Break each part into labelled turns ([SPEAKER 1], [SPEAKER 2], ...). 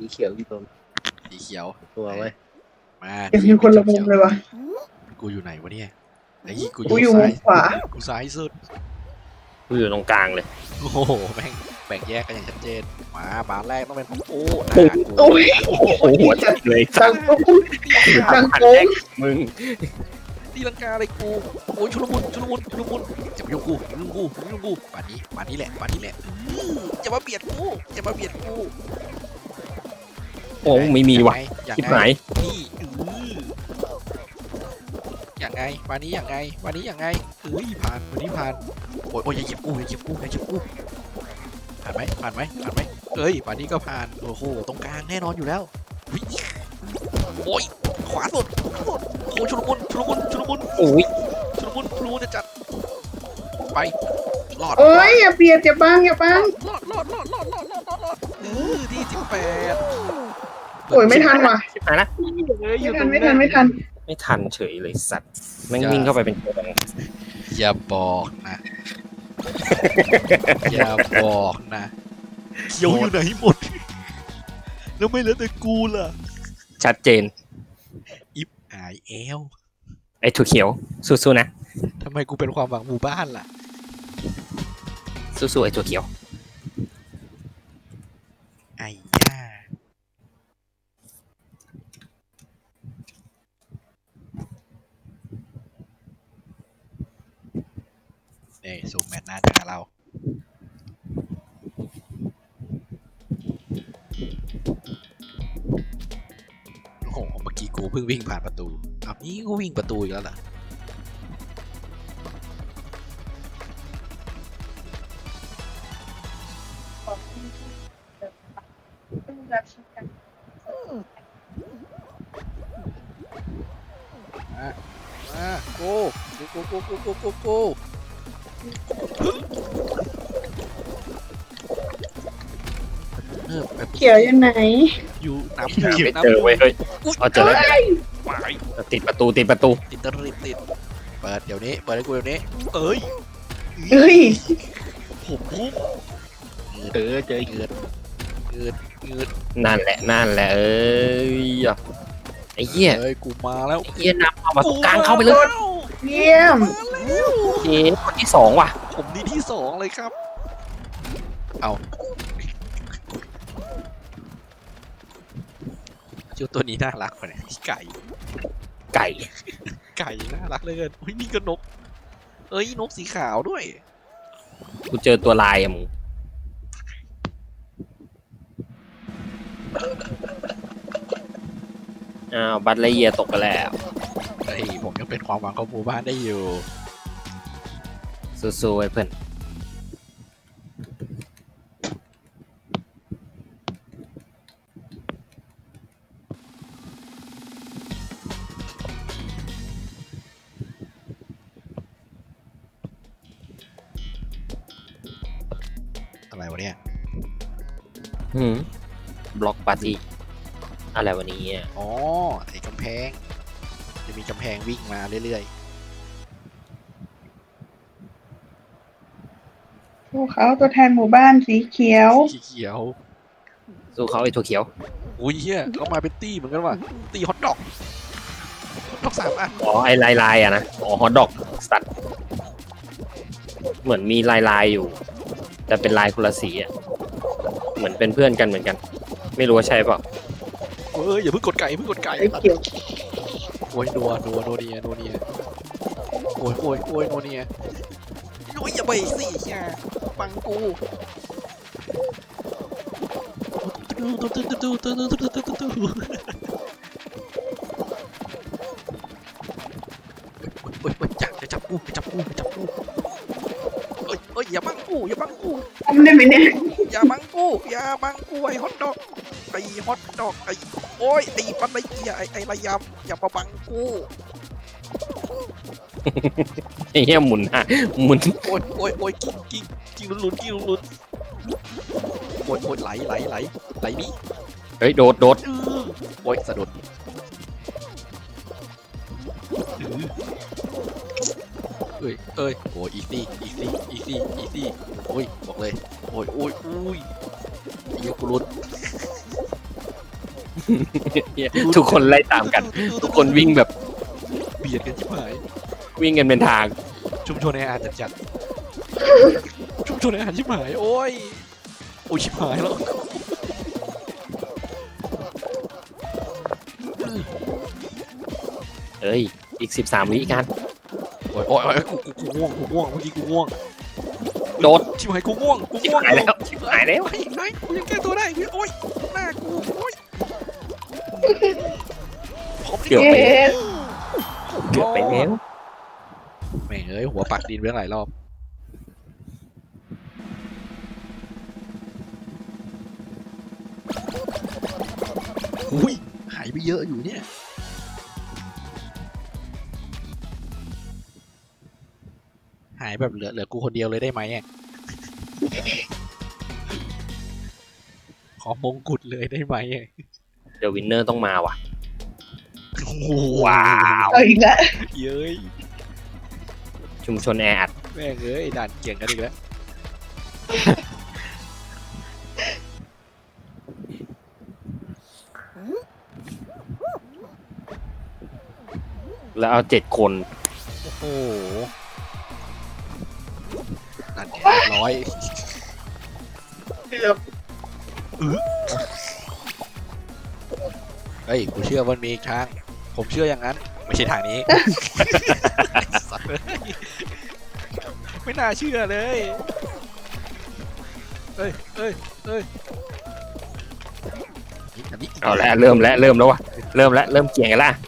[SPEAKER 1] เขียวอยู่ตรง
[SPEAKER 2] สีเขียว
[SPEAKER 1] ตัวไว้
[SPEAKER 2] มา
[SPEAKER 3] ยังมีคนละมุมเลยวะ
[SPEAKER 2] กูอยู่ไหนวะเนี่ยไอ้กู
[SPEAKER 3] กูอยู่มุมขวา
[SPEAKER 2] กูซ้ายสุด
[SPEAKER 4] กูอยู่ตรงกลางเลย
[SPEAKER 2] โอ้โหแม่งแบ่งแยกกันอย่างชัดเจนมาบานแรกต้องเป็นของกูนะ
[SPEAKER 3] โอ้ย
[SPEAKER 4] โอ้โหหัวจัดเลย
[SPEAKER 3] ดังโป้งดัง
[SPEAKER 4] หัน
[SPEAKER 3] โป้
[SPEAKER 4] แรง กมึง
[SPEAKER 2] ตีลังกาอะไรกูโอ้ยชุลมุนจะมายุ่งกูป่านนี้แหละจะมาเบียดกู
[SPEAKER 4] โอ้ไม่มีว่ะ
[SPEAKER 2] อย่าง
[SPEAKER 4] ชิบ
[SPEAKER 2] ไง
[SPEAKER 4] หาย
[SPEAKER 2] นี่อย่างไงวันนี้อย่างไงเฮ้ยผ่านวันนี้ผ่านโอ้ยอย่าเหยียบกูผ่านไหมเอ้ยวันนี้ก็ผ่านโอ้โหตรงกลางแน่นอนอยู่แล้วโอ้ยขวาสุดโอ้ชุลมุน
[SPEAKER 4] โอ้ย
[SPEAKER 2] จะจัดไปรอด
[SPEAKER 3] โอ้ยอย่าเบียดอย่าบัง
[SPEAKER 2] รอดที่18
[SPEAKER 3] โอ้ยไม่ทันว่ะ
[SPEAKER 4] ชิบหายนะ
[SPEAKER 3] ไม่ทัน
[SPEAKER 4] เฉยเลยสัตว์แม่งวิ่งเข้าไปเป็นตัวแดง
[SPEAKER 2] อย่าบอกนะเขียวอยู่ไหนหมดแล้วไม่เหลือแต่กูล่ะ
[SPEAKER 4] ชัดเจน
[SPEAKER 2] อิฟหายแอล
[SPEAKER 4] ไอ้ถั่วเขียวสู้ๆนะ
[SPEAKER 2] ทำไมกูเป็นความหวังหมู่บ้านล่ะ
[SPEAKER 4] สู้ๆไอ้ถั่วเขียว
[SPEAKER 2] ไอ้ย่าเนี่ยซูมแมตช์หน้าจะหาเราโอ้โหเมื่อกี้กูเพิ่งวิ่งผ่านประตูอ้าวนี่กูวิ่งประตูอีกแล้วเหรอมาโก้แบบ
[SPEAKER 3] เขียวอยู่ไหน
[SPEAKER 2] อยู่น้ำ
[SPEAKER 4] ไม่เจอเว้ยเฮ้ยเอาเจอแล้ว
[SPEAKER 2] วาย
[SPEAKER 4] ติดประตูติด
[SPEAKER 2] ติดเปิดเดี๋ยวนี้เปิดให้กูเดี๋ยวนี้เอ้ย
[SPEAKER 3] เฮ้ย
[SPEAKER 2] ผมพุ่ง
[SPEAKER 1] เจอเกิด
[SPEAKER 4] นั่นแหละเอ้ยไอ้เหี้ย
[SPEAKER 2] เอ้ยกูมาแล้ว
[SPEAKER 4] ไอ้เหี้ยนับเอามาตรงกลางเข้าไปเลย
[SPEAKER 3] เยี่ยม
[SPEAKER 4] เจ๊คนที่สองว่ะ
[SPEAKER 2] ผมนี่ที่2เลยครับเอาเจ้าตัวนี้น่ารักกว่าเนี่ยไก่
[SPEAKER 4] ไก่
[SPEAKER 2] น่ารักเหลยเกินอุ้ยนี่ก็นกเอ้ยนกสีขาวด้วย
[SPEAKER 4] กูเจอตัวลายอะมึงอ้าวบัตรไลเยียตกไปแล้ว
[SPEAKER 2] เฮ้ยผมยังเป็นความหวังของหมู่บ้านได้อยู่
[SPEAKER 4] สู้ๆไอ้เพื่อน
[SPEAKER 2] อะไรวะเนี่ย
[SPEAKER 4] บล็อกปาร์ตี้อะไรวันนี้อ่ะ
[SPEAKER 2] อ๋อไอ้กำแพงจะมีกำแพงวิ่งมาเรื่อย
[SPEAKER 3] พวกเขาตัวแทนหมู่บ้านสีเขียว
[SPEAKER 2] ๆสีเขียว
[SPEAKER 4] สู้เขาไอ้ถั่วเขียว
[SPEAKER 2] อุ้ยเฮียเขามาเป็นตี้เหมือนกันว่ะตี้ฮอตดอก3 อัน
[SPEAKER 4] อ๋อไอ้ลายอะนะอ๋อฮอตดอกสัตว์เหมือนมีลายอยู่ แต่เป็นลายคนละสีอ่ะเหมือนเป็นเพื่อนกันเหมือนกัน ไม่รู้ว่าใช่เปล่า
[SPEAKER 2] เอ้ยอย่าเพิ่งกดไก่
[SPEAKER 3] ไอ้เขียว
[SPEAKER 2] โอ้ยนัวเนียโอ้ยโนัวเนียโอ้ยอย่าไปสิอย่าฟังกูจะจับกูเอ้ยอย่าบังกู
[SPEAKER 3] ทำได้ไหมเนี่ย
[SPEAKER 2] อย่าบังกูไอ้ฮอตดอกไอ้โอ้ยไอ้ปันไอ้เกียไอ้ระยำอย่ามาบังกู
[SPEAKER 4] ไอ้เหี้ยหมุนอ่ะหมุน
[SPEAKER 2] โอ้ยกิ้งลุ้นโอ้ยไหลนี่
[SPEAKER 4] เฮ้ยโดด
[SPEAKER 2] โอ้ยสะดุดเอ้ยโอ้ยอีซี่โอ้ยบอกเลยโอ้ยเดี๋ยวกูลุ้น
[SPEAKER 4] ทุกคนไล่ตามกัน ทุกคนวิ่งแบบ
[SPEAKER 2] เบียดกันชิบหาย
[SPEAKER 4] วิ่งกันเป็นทาง
[SPEAKER 2] ชุมชนแออัดจัดชุมชนแออัดชิบหายโอ้ยโอ้ยชิบหายแล้ว
[SPEAKER 4] เอ้ยอีก13 วิกัน
[SPEAKER 2] โอ้ยโอ้ยโอ้ยกูง่วงเมื่อกี้กูง่วง
[SPEAKER 4] โดด
[SPEAKER 2] ชิบหายกูง่วง
[SPEAKER 4] ชิบหายแล้วชิบหายแล้ว
[SPEAKER 2] ไอ้กูยังแก้ตัวได้โอ้ยหน้ากูโอ้ยผม
[SPEAKER 4] เกือบ
[SPEAKER 3] เย็
[SPEAKER 4] ไป
[SPEAKER 3] ด
[SPEAKER 4] เกือบไปแล้ว
[SPEAKER 2] แม่งเอ้ยหัวปักดินไปตั้งหลายรอบอุ้ยหายไปเยอะอยู่เนี่ยหายแบบเหลือกูคนเดียวเลยได้ไหมอ่ะขอมงกุฎเลยได้ไหมอ่ะ
[SPEAKER 4] เดี๋ยววินเนอร์ต้องมาว่ะ
[SPEAKER 2] โอ้โห
[SPEAKER 4] ว้าว
[SPEAKER 3] เอาอีกแล้ว
[SPEAKER 2] เย้ย
[SPEAKER 4] ชุมชนแออัด
[SPEAKER 2] แม่งเอ้ยด่านเกี่ยงกันอีกแล้ว
[SPEAKER 4] แล้วเอา7 คน
[SPEAKER 2] โอ้โหนั่นไงร้อย
[SPEAKER 3] เกือบ
[SPEAKER 2] เฮ้ยกูเชื่อมันมีอีกทางผมเชื่ออย่างนั้น ไม่ใช่ทางนี้ สัตว์เลยไม่น่าเชื่อเลยเอ้ยอันนี้
[SPEAKER 4] เอาแล้วเริ่มแล้วว่ะเริ่มเกี่ยงกันละ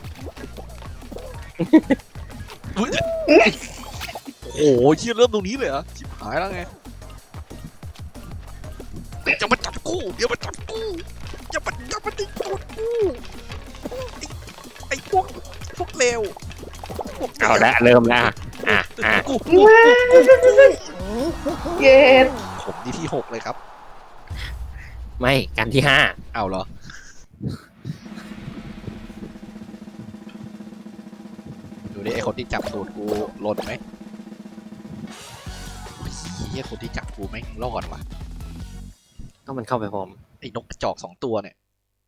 [SPEAKER 2] อุ๊ยโอ้โหเชื่อเริ่มตรงนี้เลยเหรอชิบหายแล้วไงจะมาจับกูเดี๋ยวมาจับกูอย่ามาจับกูไอ้พวกเลวพวก
[SPEAKER 4] เอาแล้วเริ่มแล้วอ่ะ
[SPEAKER 2] กู
[SPEAKER 3] เย็ด
[SPEAKER 2] ผมนี่ที่6เลยครับ
[SPEAKER 4] ไม่กันที่
[SPEAKER 2] เอาเหรอดูดิไอคนที่จับตูดกูหล่นไหมเฮียคนที่จับกูแม่งรอดว่ะ
[SPEAKER 4] 5ก็มันเข้าไปพร้อม
[SPEAKER 2] ไอ้นกกระจอก2 ตัวเนี่ย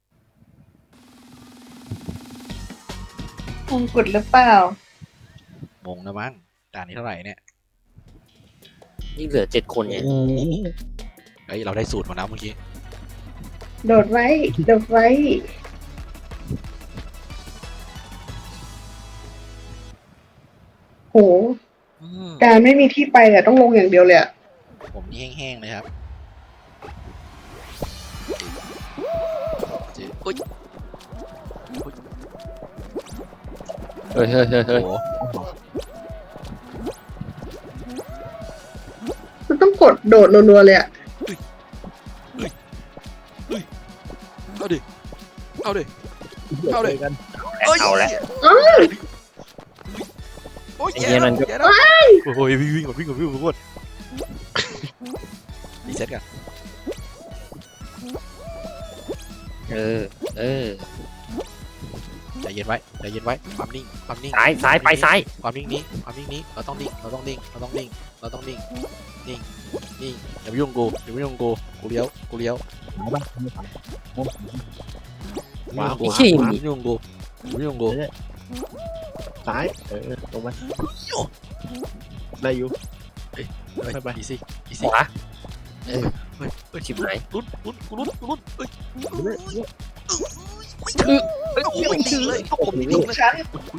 [SPEAKER 3] มงกุฎหรือเปล่าม
[SPEAKER 2] งนะมั้งด่านนี้เท่าไหร่เนี่ย
[SPEAKER 4] นี่เหลือ7 คนไง
[SPEAKER 2] เฮ้ยเราได้สูตรมาแล้วเมื่อกี้
[SPEAKER 3] โดดไว้โดดไว้โหการไม่มีที่ไปอะต้องลงอย่างเดียวเลยอะ
[SPEAKER 2] ผมนี่แห้งๆเลยครับอุ๊ย
[SPEAKER 4] เฮ้ย
[SPEAKER 2] โอ้โห
[SPEAKER 3] มันต้องกดโดดรัวๆเลยอะ
[SPEAKER 2] เอาดิเอาดิ
[SPEAKER 1] เอาเลยกัน
[SPEAKER 4] เอาแล้ว
[SPEAKER 2] โอ้ย
[SPEAKER 4] ไอ้เหี้ยนั่นก็
[SPEAKER 2] แย่แล้วโอ้ยวิ่งก่อนรีเซ็ตกัน
[SPEAKER 4] เออ
[SPEAKER 2] ใจเย็นไว้ความนิ่ง
[SPEAKER 4] ซ้ายไปซ้าย
[SPEAKER 2] ความนิ่งนี้เราต้องนิ่งนิ่งอย่าไปยุ่งกูกูเลี้ยว
[SPEAKER 1] ว้าว
[SPEAKER 4] ไอ้ขี้
[SPEAKER 2] อย่า
[SPEAKER 4] นี่
[SPEAKER 2] ไปยุ่งกู
[SPEAKER 1] ซ้ายลงมาได้อยู่ ไป
[SPEAKER 2] อีซี่
[SPEAKER 4] ขวา
[SPEAKER 2] เฮ้ย
[SPEAKER 4] ชิบหาย
[SPEAKER 2] ลุ้นเฮ้ย
[SPEAKER 3] อืม
[SPEAKER 2] โอ้ยดีเลยผมนิ่งเลย
[SPEAKER 3] ฉัน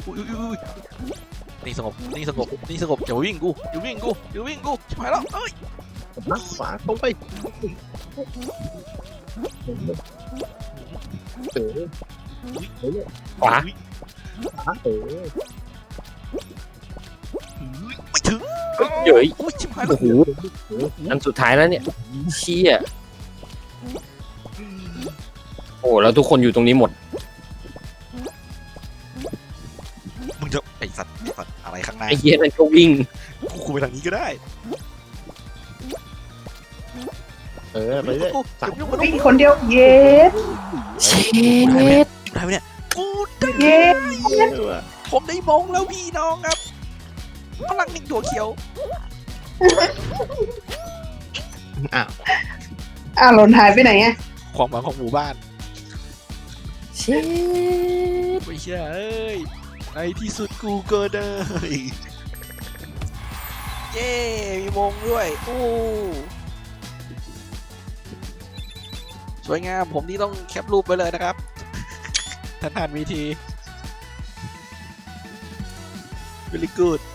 [SPEAKER 2] นี่สงบอย่าวิ่งกูชิบหายแล้วเอ้ย
[SPEAKER 1] นักขวาตรงไป
[SPEAKER 4] ขวา
[SPEAKER 2] ไม่ถึง
[SPEAKER 4] เย้ย
[SPEAKER 2] โอ้ยชิบหายแล้ว
[SPEAKER 4] โอ้โหอันสุดท้ายแล้วเนี่ยเชี่ยโอ้แล้วทุกคนอยู่ตรงนี้หมด
[SPEAKER 2] มึงจะไอสัตว์อะไรข้างหน้า
[SPEAKER 4] ไอ้เหี้ยนั่นก็วิ่ง
[SPEAKER 2] กูไปทางนี้ก็ได้
[SPEAKER 1] ไปเรื่อย
[SPEAKER 3] วิ่งคนเดียวเย็ด
[SPEAKER 4] เช็ด
[SPEAKER 2] ได้ไหมเนี่ยกูได้
[SPEAKER 3] เย็ด
[SPEAKER 2] ผมได้มงแล้วพี่น้องครับพลังนิ่งตัวเขียว
[SPEAKER 1] อ้าว
[SPEAKER 3] อ้าวหล่นหายไปไหนอะ
[SPEAKER 2] ความหวังของหมู่บ้าน
[SPEAKER 4] เชิด
[SPEAKER 2] ไม่ใช่เอ้ยในที่สุดกูก็ได้ เย้มีมงด้วยโอ้สวยงามผมนี่ต้องแคปรูปไปเลยนะครับทันมีที very good